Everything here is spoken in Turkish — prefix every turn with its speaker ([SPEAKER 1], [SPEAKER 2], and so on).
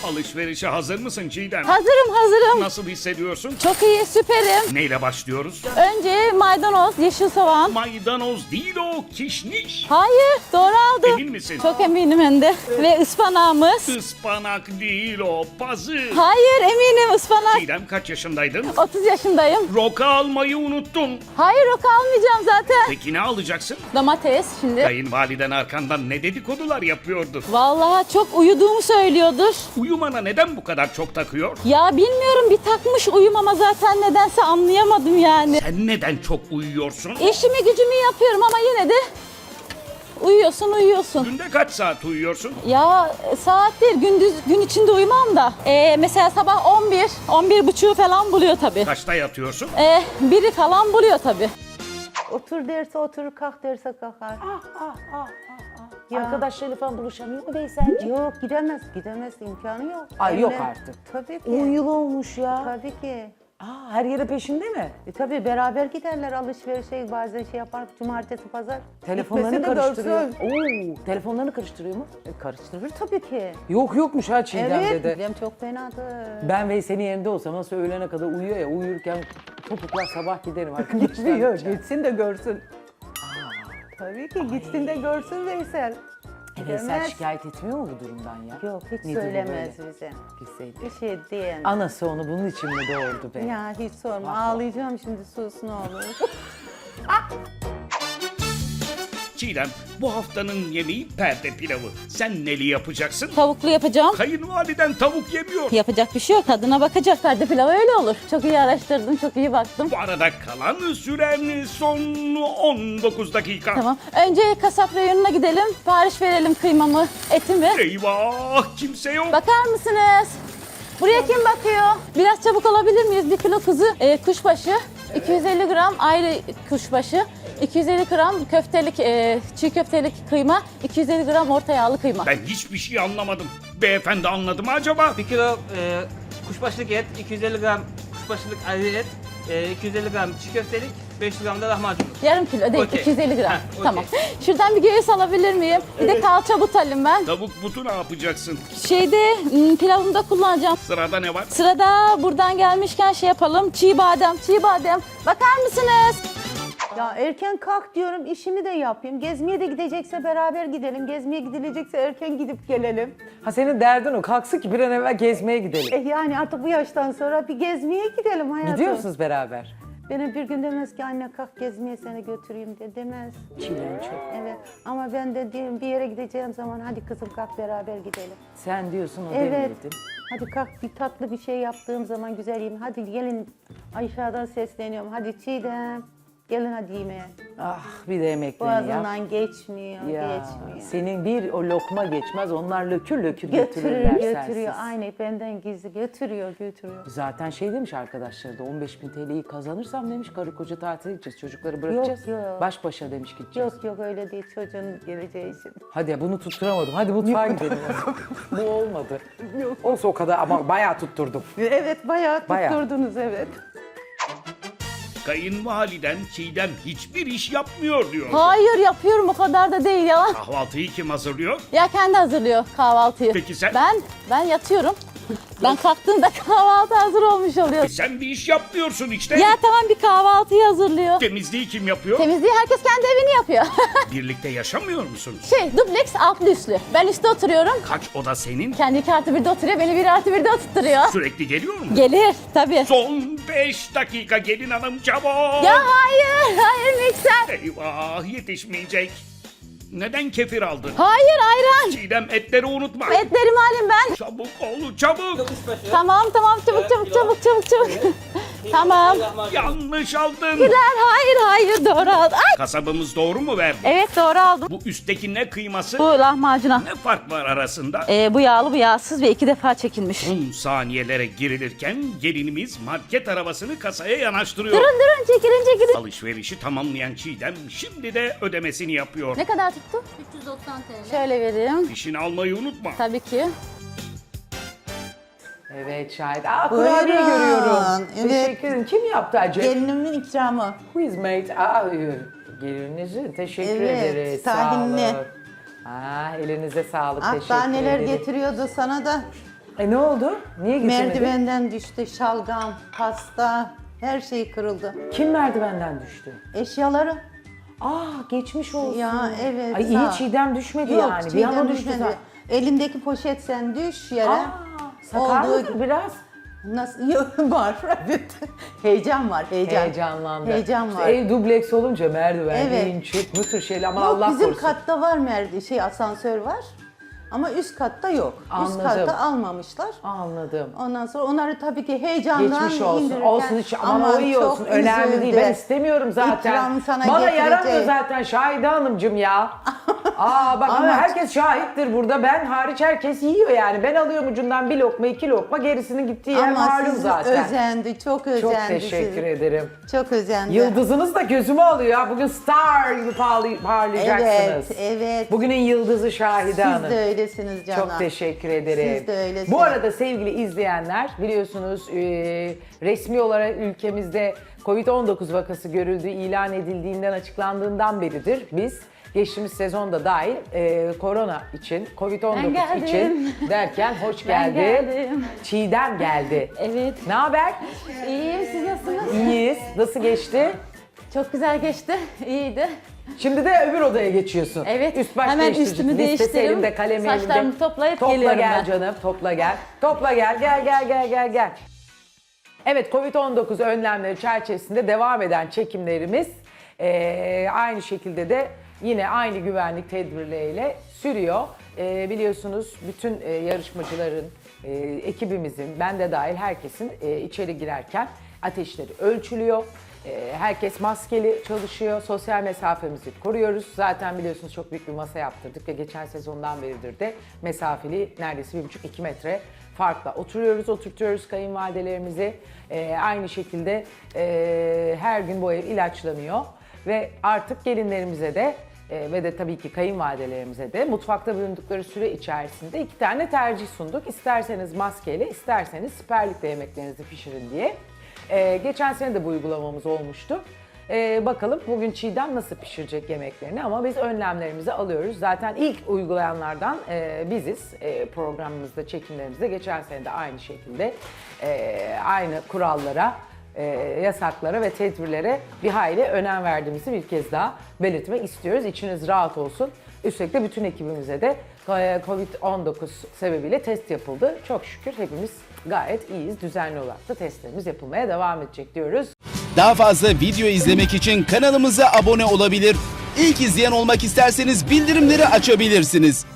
[SPEAKER 1] Alışverişe hazır mısın Çiğdem?
[SPEAKER 2] Hazırım.
[SPEAKER 1] Nasıl hissediyorsun?
[SPEAKER 2] Çok iyi, süperim.
[SPEAKER 1] Neyle başlıyoruz?
[SPEAKER 2] Önce maydanoz, yeşil soğan.
[SPEAKER 1] Maydanoz değil o, kişniş.
[SPEAKER 2] Hayır, doğru aldım.
[SPEAKER 1] Emin misin?
[SPEAKER 2] Çok eminim hem de. Ve ıspanağımız.
[SPEAKER 1] Ispanak değil o, pazı.
[SPEAKER 2] Hayır, eminim ıspanak.
[SPEAKER 1] Çiğdem kaç yaşındaydın?
[SPEAKER 2] 30 yaşındayım.
[SPEAKER 1] Roka almayı unuttun.
[SPEAKER 2] Hayır, roka almayacağım zaten.
[SPEAKER 1] Peki ne alacaksın?
[SPEAKER 2] Domates şimdi.
[SPEAKER 1] Kayınvaliden arkandan ne dedikodular yapıyordu?
[SPEAKER 2] Vallahi çok uyuduğumu söylüyordur.
[SPEAKER 1] Uyumana neden bu kadar çok takıyor?
[SPEAKER 2] Ya bilmiyorum, bir takmış uyumama zaten, nedense anlayamadım yani.
[SPEAKER 1] Sen neden çok uyuyorsun?
[SPEAKER 2] İşimi gücümü yapıyorum ama yine de uyuyorsun.
[SPEAKER 1] Günde kaç saat uyuyorsun?
[SPEAKER 2] Ya saat değil, gündüz gün içinde uyumam da. Mesela sabah 11 buçuğu falan buluyor tabii.
[SPEAKER 1] Kaçta yatıyorsun?
[SPEAKER 2] Biri falan buluyor tabii.
[SPEAKER 3] Otur derse oturur, kalk derse kalkar. Ya.
[SPEAKER 4] Arkadaşlarıyla falan buluşamıyor mu Veysel'ciğim?
[SPEAKER 3] Yok gidemez imkanı yok.
[SPEAKER 4] Ay, yok
[SPEAKER 3] Evlen-
[SPEAKER 4] artık.
[SPEAKER 3] Tabii ki.
[SPEAKER 4] 10 yıl olmuş ya.
[SPEAKER 3] Tabii ki.
[SPEAKER 4] Her yere peşinde mi?
[SPEAKER 3] Tabii beraber giderler alışverişe, bazen şey yapar, cumartesi pazar.
[SPEAKER 4] Telefonlarını
[SPEAKER 3] Gitmesi de
[SPEAKER 4] karıştırıyor.
[SPEAKER 3] görsün.
[SPEAKER 4] Telefonlarını karıştırıyor mu?
[SPEAKER 3] Karıştırır tabii ki.
[SPEAKER 4] Yokmuş ha Çiğdem
[SPEAKER 3] Evet,
[SPEAKER 4] dedi.
[SPEAKER 3] benim çok fenadır.
[SPEAKER 4] Ben Veysel'in yerinde olsam nasıl öğlene kadar uyuyor ya, uyurken topuklar sabah giderim
[SPEAKER 3] Gitmiyor,
[SPEAKER 4] arkadaşlar.
[SPEAKER 3] gitsin de görsün. Tabii ki gitsin de görsün Veysel.
[SPEAKER 4] Veysel
[SPEAKER 3] Gidemez.
[SPEAKER 4] şikayet etmiyor mu bu durumdan ya?
[SPEAKER 3] Yok, hiç
[SPEAKER 4] Nedir bu
[SPEAKER 3] söylemez
[SPEAKER 4] böyle?
[SPEAKER 3] bize.
[SPEAKER 4] Bilseydi.
[SPEAKER 3] Bir şey diyemez.
[SPEAKER 4] Anası onu bunun için mi doğurdu be?
[SPEAKER 3] Ya hiç sorma, ağlayacağım şimdi, sus ne olur.
[SPEAKER 1] Çiğdem, bu haftanın yemeği perde pilavı. Sen neli yapacaksın?
[SPEAKER 2] Tavuklu yapacağım.
[SPEAKER 1] Kayınvaliden tavuk yemiyor.
[SPEAKER 2] Yapacak bir şey yok. Tadına bakacak. Perde pilavı öyle olur. Çok iyi araştırdım, çok iyi baktım.
[SPEAKER 1] Bu arada kalan süren son 19 dakika.
[SPEAKER 2] Tamam. Önce kasap reyonuna gidelim. Sipariş verelim kıymamı, etimi.
[SPEAKER 1] Eyvah, kimse yok.
[SPEAKER 2] Bakar mısınız? Buraya kim bakıyor? Biraz çabuk alabilir miyiz? 1 kilo kuzu kuşbaşı, 250 gram ayrı kuşbaşı, 250 gram köftelik, çiğ köftelik kıyma, 250 gram orta yağlı kıyma.
[SPEAKER 1] Ben hiçbir şey anlamadım. Beyefendi anladı mı acaba?
[SPEAKER 5] 1 kilo kuşbaşılık et, 250 gram kuşbaşılık ayrı et, 250 gram çiğ köftelik, 500 gram da lahmacunluk.
[SPEAKER 2] Yarım kilo değil,
[SPEAKER 5] Okey.
[SPEAKER 2] 250 gram.
[SPEAKER 5] Heh, okey.
[SPEAKER 2] Tamam. Şuradan bir göğüs alabilir miyim? Bir de kalça but alayım ben.
[SPEAKER 1] Tavuk butu ne yapacaksın?
[SPEAKER 2] Pilavımda kullanacağım.
[SPEAKER 1] Sırada ne var?
[SPEAKER 2] Sırada buradan gelmişken şey yapalım. Çiğ badem. Bakar mısınız?
[SPEAKER 3] Ya erken kalk diyorum, işimi de yapayım. Gezmeye de gidecekse beraber gidelim. Gezmeye gidilecekse erken gidip gelelim.
[SPEAKER 4] Ha, senin derdin o. Kalksın ki bir an evvel gezmeye gidelim.
[SPEAKER 3] Yani artık bu yaştan sonra bir gezmeye gidelim hayatım.
[SPEAKER 4] Gidiyor musunuz beraber?
[SPEAKER 3] Benim bir gün demez ki anne kalk gezmeye seni götüreyim de demez.
[SPEAKER 4] Çiğdem çok.
[SPEAKER 3] Evet, ama ben de diyorum bir yere gideceğim zaman hadi kızım kalk beraber gidelim.
[SPEAKER 4] Sen diyorsun o
[SPEAKER 3] Evet.
[SPEAKER 4] demedin.
[SPEAKER 3] Hadi kalk, bir tatlı bir şey yaptığım zaman güzel yiyeyim. Hadi gelin, aşağıdan sesleniyorum. Hadi Çiğdem gelin hadi yemeğe.
[SPEAKER 4] Ah, bir de yemeklerini yap.
[SPEAKER 3] Boğazından geçmiyor,
[SPEAKER 4] Ya,
[SPEAKER 3] geçmiyor.
[SPEAKER 4] senin bir o lokma geçmez, onlar lökür lökür
[SPEAKER 3] Götürüyor,
[SPEAKER 4] götürürler
[SPEAKER 3] götürüyor.
[SPEAKER 4] sensiz.
[SPEAKER 3] Aynı benden gizli götürüyor.
[SPEAKER 4] Zaten şey demiş arkadaşları da 15.000 TL'yi kazanırsam demiş karı koca tatile gideceğiz, çocukları bırakacağız.
[SPEAKER 3] yok.
[SPEAKER 4] Baş başa demiş gideceğiz.
[SPEAKER 3] Yok öyle değil, çocuğun geleceği için.
[SPEAKER 4] Hadi ya, bunu tutturamadım. Hadi mutfağa gidelim. Bu olmadı. Yok. Olsa o kadar ama bayağı tutturdum.
[SPEAKER 3] Evet, bayağı
[SPEAKER 4] Bayağı.
[SPEAKER 3] tutturdunuz, evet.
[SPEAKER 1] Kayınvaliden Çiğdem hiçbir iş yapmıyor diyor.
[SPEAKER 2] Hayır, yapıyorum, o kadar da değil yalan.
[SPEAKER 1] Kahvaltıyı kim hazırlıyor?
[SPEAKER 2] Ya kendi hazırlıyor kahvaltıyı.
[SPEAKER 1] Peki sen?
[SPEAKER 2] Ben yatıyorum. Ben kalktığımda kahvaltı hazır olmuş oluyor.
[SPEAKER 1] Sen bir iş yapmıyorsun işte.
[SPEAKER 2] Ya tamam, bir kahvaltıyı hazırlıyor.
[SPEAKER 1] Temizliği kim yapıyor?
[SPEAKER 2] Temizliği herkes kendi evini yapıyor.
[SPEAKER 1] Birlikte yaşamıyor musun?
[SPEAKER 2] Dubleks altlı üstlü. Ben üstte oturuyorum.
[SPEAKER 1] Kaç oda senin?
[SPEAKER 2] Kendi 2+1'de oturuyor, beni 1+1'de oturtturuyor.
[SPEAKER 1] Sürekli geliyor mu?
[SPEAKER 2] Gelir tabii.
[SPEAKER 1] Son 5 dakika gelin hanım çabuk.
[SPEAKER 2] Ya hayır mikser.
[SPEAKER 1] Eyvah, yetişmeyecek. Neden kefir aldın?
[SPEAKER 2] Hayır, ayran.
[SPEAKER 1] Çiğdem etleri unutma.
[SPEAKER 2] Etlerimi alayım ben.
[SPEAKER 1] Çabuk ol çabuk.
[SPEAKER 5] Kuşbaşı,
[SPEAKER 2] Tamam, çabuk. Tamam.
[SPEAKER 5] lahmacun.
[SPEAKER 1] Yanlış aldın.
[SPEAKER 2] Hayır, doğru aldım. Ay.
[SPEAKER 1] Kasabımız doğru mu verdi?
[SPEAKER 2] Evet, doğru aldım.
[SPEAKER 1] Bu üstteki ne kıyması?
[SPEAKER 2] Bu lahmacuna.
[SPEAKER 1] Ne fark var arasında?
[SPEAKER 2] Bu yağlı, bu yağsız ve 2 defa çekilmiş.
[SPEAKER 1] Son saniyelere girilirken gelinimiz market arabasını kasaya yanaştırıyor.
[SPEAKER 2] Durun, çekilin.
[SPEAKER 1] Alışverişi tamamlayan Çiğdem şimdi de ödemesini yapıyor.
[SPEAKER 2] Ne kadar tuttu?
[SPEAKER 6] 390 TL.
[SPEAKER 2] Şöyle vereyim.
[SPEAKER 1] Fişini almayı unutma.
[SPEAKER 2] Tabii ki.
[SPEAKER 4] Evet şahit. Kurabiye görüyorum.
[SPEAKER 3] Evet.
[SPEAKER 4] Teşekkür ederim. Kim yaptı acaba?
[SPEAKER 3] Gelinimin ikramı.
[SPEAKER 4] Who is made? Gelininizi teşekkür
[SPEAKER 3] Evet,
[SPEAKER 4] ederiz.
[SPEAKER 3] tahinli.
[SPEAKER 4] Sağ olun. Elinize sağlık.
[SPEAKER 3] Ah,
[SPEAKER 4] Teşekkür
[SPEAKER 3] daha neler
[SPEAKER 4] ederim.
[SPEAKER 3] getiriyordu sana da.
[SPEAKER 4] Ne oldu? Niye geçemedin?
[SPEAKER 3] Merdivenden düştü, şalgam, pasta, her şey kırıldı.
[SPEAKER 4] Kim merdivenden düştü?
[SPEAKER 3] Eşyaları.
[SPEAKER 4] Geçmiş olsun.
[SPEAKER 3] Ya evet.
[SPEAKER 4] Ay
[SPEAKER 3] sağ
[SPEAKER 4] iyi
[SPEAKER 3] ol.
[SPEAKER 4] Çiğdem düşmedi
[SPEAKER 3] Yok,
[SPEAKER 4] yani. Bir
[SPEAKER 3] Çiğdem
[SPEAKER 4] anda düştü
[SPEAKER 3] düşmedi.
[SPEAKER 4] zaten.
[SPEAKER 3] Elindeki poşet sen düş yere.
[SPEAKER 4] Sakarlık biraz.
[SPEAKER 3] Nasıl? Yok, var. Evet. Heyecan var, heyecan.
[SPEAKER 4] Heyecanlandı.
[SPEAKER 3] Heyecan
[SPEAKER 4] İşte
[SPEAKER 3] var.
[SPEAKER 4] ev dubleks olunca merdiven,
[SPEAKER 3] Evet.
[SPEAKER 4] in çık, bu tür şeyler ama
[SPEAKER 3] Yok,
[SPEAKER 4] Allah
[SPEAKER 3] bizim
[SPEAKER 4] korusun.
[SPEAKER 3] katta var asansör var. Ama üst katta yok.
[SPEAKER 4] Anladım.
[SPEAKER 3] Üst katta almamışlar.
[SPEAKER 4] Anladım.
[SPEAKER 3] Ondan sonra onları tabii ki heyecandan
[SPEAKER 4] Geçmiş olsun.
[SPEAKER 3] indirirken,
[SPEAKER 4] Olsun hiç ama o iyi
[SPEAKER 3] çok
[SPEAKER 4] olsun. Önemli değil. Ben
[SPEAKER 3] üzüldü.
[SPEAKER 4] istemiyorum zaten.
[SPEAKER 3] İkram sana
[SPEAKER 4] Bana
[SPEAKER 3] getirecek.
[SPEAKER 4] yaramıyor zaten Şahide Hanımcığım ya. Bak ama herkes şahittir burada. Ben hariç herkes yiyor yani. Ben alıyorum ucundan bir lokma, 2 lokma. Gerisinin gittiği yer
[SPEAKER 3] Ama
[SPEAKER 4] malum
[SPEAKER 3] sizi
[SPEAKER 4] zaten.
[SPEAKER 3] özendi, çok özendi.
[SPEAKER 4] Çok teşekkür ederim.
[SPEAKER 3] Çok özendi.
[SPEAKER 4] Yıldızınız da gözümü alıyor ya. Bugün star gibi parlayacaksınız.
[SPEAKER 3] Evet, evet.
[SPEAKER 4] Bugünün yıldızı Şahide Hanım.
[SPEAKER 3] Siz de öylesiniz canım.
[SPEAKER 4] Çok teşekkür ederim.
[SPEAKER 3] Siz de öylesiniz.
[SPEAKER 4] Bu arada sevgili izleyenler biliyorsunuz resmi olarak ülkemizde Covid-19 vakası görüldüğü ilan edildiğinden açıklandığından beridir biz geçtiğimiz sezonda dahil korona için,
[SPEAKER 2] Ben
[SPEAKER 4] Covid-19
[SPEAKER 2] geldim.
[SPEAKER 4] için derken hoş
[SPEAKER 2] Ben
[SPEAKER 4] geldi.
[SPEAKER 2] geldim.
[SPEAKER 4] Çiğdem geldi.
[SPEAKER 2] Evet.
[SPEAKER 4] Ne haber?
[SPEAKER 2] İyiyim, siz nasılsınız?
[SPEAKER 4] İyiyiz. Nasıl geçti?
[SPEAKER 2] Çok güzel geçti, iyiydi.
[SPEAKER 4] Şimdi de öbür odaya geçiyorsun.
[SPEAKER 2] Evet,
[SPEAKER 4] Üst baş
[SPEAKER 2] hemen
[SPEAKER 4] değiştirici.
[SPEAKER 2] üstümü
[SPEAKER 4] Listesi
[SPEAKER 2] değiştireyim.
[SPEAKER 4] elimde, kalemi elimde.
[SPEAKER 2] Saçlarımı toplayıp
[SPEAKER 4] Topla
[SPEAKER 2] geliyorum
[SPEAKER 4] gel
[SPEAKER 2] ben.
[SPEAKER 4] canım, topla gel. Topla gel, gel. Evet, Covid-19 önlemleri çerçevesinde devam eden çekimlerimiz aynı şekilde de yine aynı güvenlik tedbirleriyle sürüyor. Biliyorsunuz bütün yarışmacıların, ekibimizin, ben de dahil herkesin içeri girerken ateşleri ölçülüyor. Herkes maskeli çalışıyor, sosyal mesafemizi koruyoruz. Zaten biliyorsunuz çok büyük bir masa yaptırdık ve geçen sezondan beridir de mesafeli neredeyse 1,5-2 metre farkla oturtuyoruz kayınvalidelerimizi. Aynı şekilde her gün bu ev ilaçlanıyor ve artık gelinlerimize de ve de tabii ki kayınvalidelerimize de mutfakta bulundukları süre içerisinde 2 tane tercih sunduk. İsterseniz maskeyle, isterseniz siperlikle yemeklerinizi pişirin diye. Geçen sene de bu uygulamamız olmuştu. Bakalım bugün Çiğdem nasıl pişirecek yemeklerini ama biz önlemlerimizi alıyoruz. Zaten ilk uygulayanlardan biziz programımızda, çekimlerimizde. Geçen sene de aynı şekilde aynı kurallara, yasaklara ve tedbirlere bir hayli önem verdiğimizi bir kez daha belirtmek istiyoruz. İçiniz rahat olsun. Üstelik de bütün ekibimize de Covid-19 sebebiyle test yapıldı. Çok şükür hepimiz gayet iyiyiz. Düzenli olarak da testlerimiz yapılmaya devam edecek diyoruz.
[SPEAKER 6] Daha fazla video izlemek için kanalımıza abone olabilir. İlk izleyen olmak isterseniz bildirimleri açabilirsiniz.